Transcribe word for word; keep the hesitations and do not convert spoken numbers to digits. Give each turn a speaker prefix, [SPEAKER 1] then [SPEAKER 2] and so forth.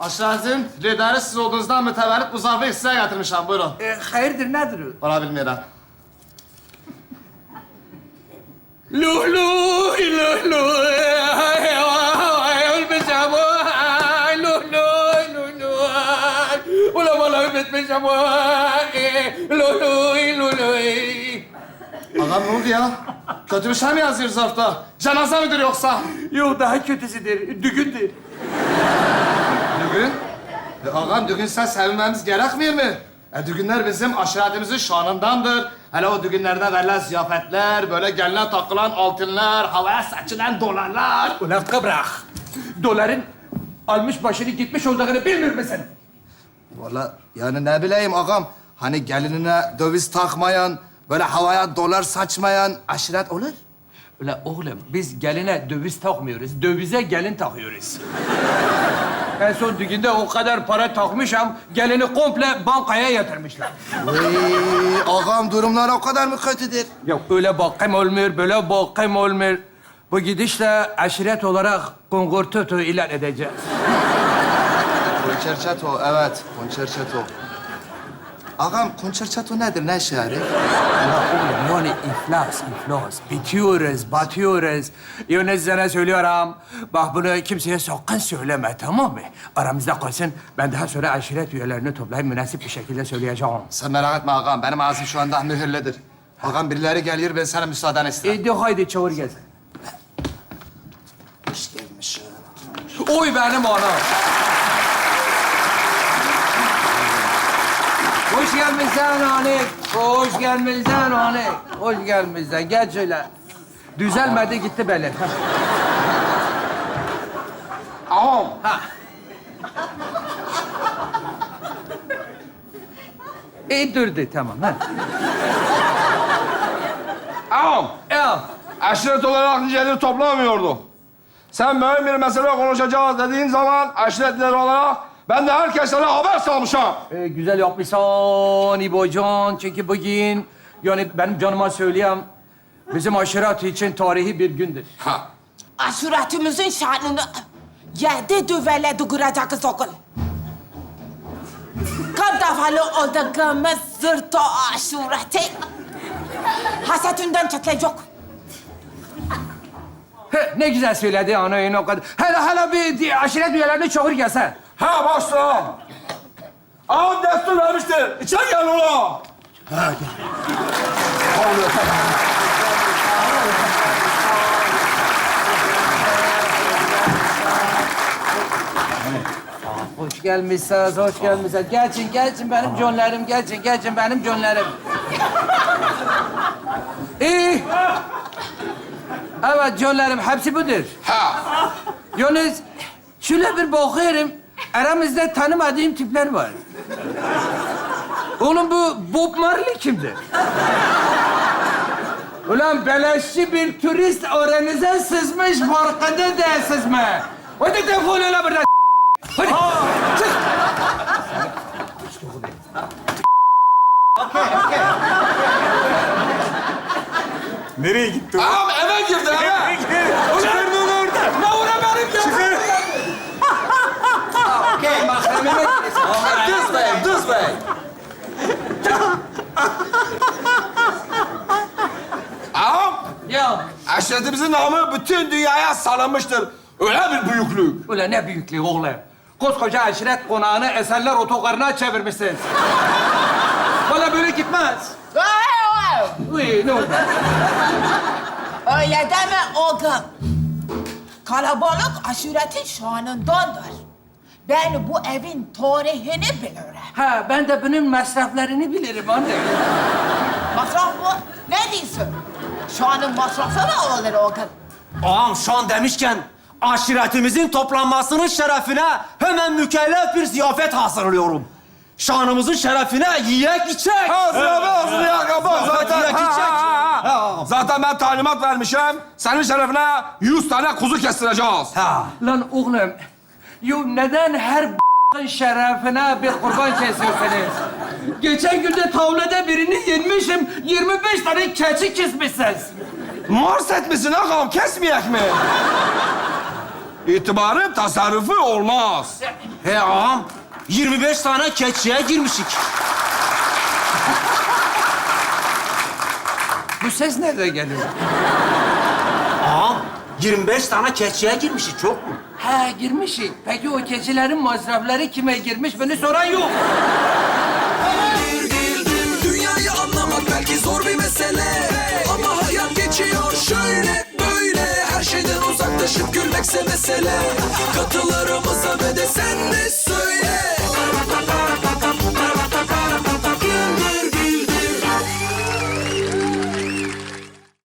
[SPEAKER 1] Aşağıdın lideri siz olduğunuzdan mütevellit bu zarfı size getirmişim. Buyurun.
[SPEAKER 2] E, hayırdır nedir o?
[SPEAKER 1] Bana bilmiyorum.
[SPEAKER 2] Luh luh luh luh ölmüşüm vay luh luh luh luh ulan vallahi ölmüşüm vay luh luh luh luh.
[SPEAKER 1] Ağam ne oldu ya? Kötü bir şey mi yazıyor zarfta? Cenaze midir yoksa?
[SPEAKER 2] Yok daha kötüsüdür, düğündür.
[SPEAKER 1] Düğün? E, ağam düğün sen sevinmemiz gerekmiyor mu? E, düğünler bizim aşiretimizin şanındandır. Hele o düğünlerde verilen ziyafetler, böyle geline takılan altınlar, havaya saçılan dolarlar.
[SPEAKER 2] Ulan kıbrak, doların almış başını gitmiş olduğunu bilmiyor musun?
[SPEAKER 1] Vallahi yani ne bileyim ağam, hani gelinine döviz takmayan, böyle havaya dolar saçmayan aşiret olur.
[SPEAKER 2] Ulan oğlum biz geline döviz takmıyoruz, dövize gelin takıyoruz. En son düğünde o kadar para takmışım, gelini komple bankaya yatırmışlar.
[SPEAKER 1] Vay, ağam durumlar o kadar mı kötüdür?
[SPEAKER 2] Yok öyle bakım olmuyor, böyle bakım olmuyor. Bu gidişle aşiret olarak kongortoto ilan edeceğiz.
[SPEAKER 1] Konçerçato, evet. Konçerçato. Ağam, konçerçato nedir? Ne işe yarıyor?
[SPEAKER 2] Ya oğlum yani iflas, iflas. Bitiyoruz, batıyoruz. Yani sana söylüyorum. Bak bunu kimseye sakın söyleme, tamam mı? Aramızda kalsın. Ben daha sonra aşiret üyelerini toplayıp münasip bir şekilde söyleyeceğim.
[SPEAKER 1] Sen merak etme ağam. Benim ağzım şu anda mühürlüdür. Ağam birileri geliyor, ben sana müsaaden isterim.
[SPEAKER 2] E de haydi çağır gelsin.
[SPEAKER 1] Hoş gelmişsin.
[SPEAKER 2] Oy benim anam. Hoş gelmişsin Hanik. Hoş gelmişsin Hanik. Hoş gelmişsin. Gel şöyle. Düzelmedi gitti belli.
[SPEAKER 1] Ağam.
[SPEAKER 2] Ha. İyi durdu tamam ha.
[SPEAKER 3] Ağam,
[SPEAKER 2] Ya
[SPEAKER 3] aşiret olarak niceliği toplamıyordu. Sen mühim bir mesele konuşacağız dediğin zaman aşiretliler olarak ben de herkese haber salmışım.
[SPEAKER 2] e, güzel yapmışsın İbocan. Çünkü bugün yani benim canıma söyleyeyim bizim aşiret için tarihi bir gündür.
[SPEAKER 3] Ha.
[SPEAKER 4] Aşuretimizin şanını yedi düveledi kuracağız okul. Kaç defalı olduğumuz zırto aşureti hasetinden çatlayacak.
[SPEAKER 2] He, ne güzel söyledi ana o kadar. Hele hele bir di- aşiret üyelerini çağır gelsen.
[SPEAKER 3] Ha başla. Ağam destur vermiştir. İçeri gel ulan.
[SPEAKER 2] Hoş gelmişsiniz, hoş gelmişsiniz. Geçin, geçin benim canlarım, geçin, geçin benim canlarım. İyi. Evet canlarım, hepsi budur.
[SPEAKER 3] Ha.
[SPEAKER 2] Yalnız şöyle bir bakıyorum, aramızda tanımadığım tipler var. Oğlum bu Bob Marley kimdir? Ulan beleşçi bir turist aranıza sızmış, farkında değilsiniz mi? Hadi defol öyle buradan. Hadi, çık.
[SPEAKER 5] Nereye gitti o?
[SPEAKER 3] Ağam eve girdi eve.
[SPEAKER 5] Çıkarın onu oradan.
[SPEAKER 2] Ne uğra benim ya?
[SPEAKER 5] Çıkar.
[SPEAKER 2] Okey, mahremime
[SPEAKER 3] Düz bey, düz bey. Ağam,
[SPEAKER 2] Ya,
[SPEAKER 3] aşiretimizin namı bütün dünyaya salınmıştır. Öyle bir büyüklük.
[SPEAKER 2] ulan ne büyüklüğü oğlum. Koskoca aşiret konağını eserler otogarına çevirmişsiniz. Vallahi böyle gitmez. Uy, ne oldu?
[SPEAKER 4] Öyle deme oğlum. Kalabalık aşuretin şanındandır. Ben bu evin tarihini bilirim.
[SPEAKER 2] Ha, ben de bunun masraflarını bilirim anne.
[SPEAKER 4] Masraf mı? Ne diyorsun? Şanın masrafı mı olur oğlum?
[SPEAKER 5] Ağam şu an demişken aşiretimizin toplanmasının şerefine hemen mükellef bir ziyafet hazırlıyorum. Şanımızın şerefine yiyek içek.
[SPEAKER 3] Hazır abi, hazır ya kaba. Zaten,
[SPEAKER 5] yiyek
[SPEAKER 3] ha,
[SPEAKER 5] içek.
[SPEAKER 3] ha, ha.
[SPEAKER 5] Ha.
[SPEAKER 3] Zaten ben talimat vermişim. Senin şerefine yüz tane kuzu kestireceğiz.
[SPEAKER 5] Ha.
[SPEAKER 2] Lan oğlum, yo neden her b***ın şerefine bir kurban kesiyorsunuz? Geçen gün de tavlada birini yenmişim, yirmi beş tane keçi kesmişsiniz.
[SPEAKER 3] Mars etmişsin ağam, kesmeyek mi? itibarın tasarrufu olmaz.
[SPEAKER 5] He ağam, yirmi beş tane keçiye girmişik.
[SPEAKER 2] Bu ses nereden geliyor?
[SPEAKER 5] Ağam, yirmi beş tane keçiye girmişik, çok mu?
[SPEAKER 2] He girmişik. Peki o keçilerin masrafları kime girmiş? Beni soran yok.
[SPEAKER 6] Dünyayı anlamak belki zor bir mesele, ama hayat geçiyor şöyle böyle. Her şeyden uzaklaşıp gülmekse mesele. Kadir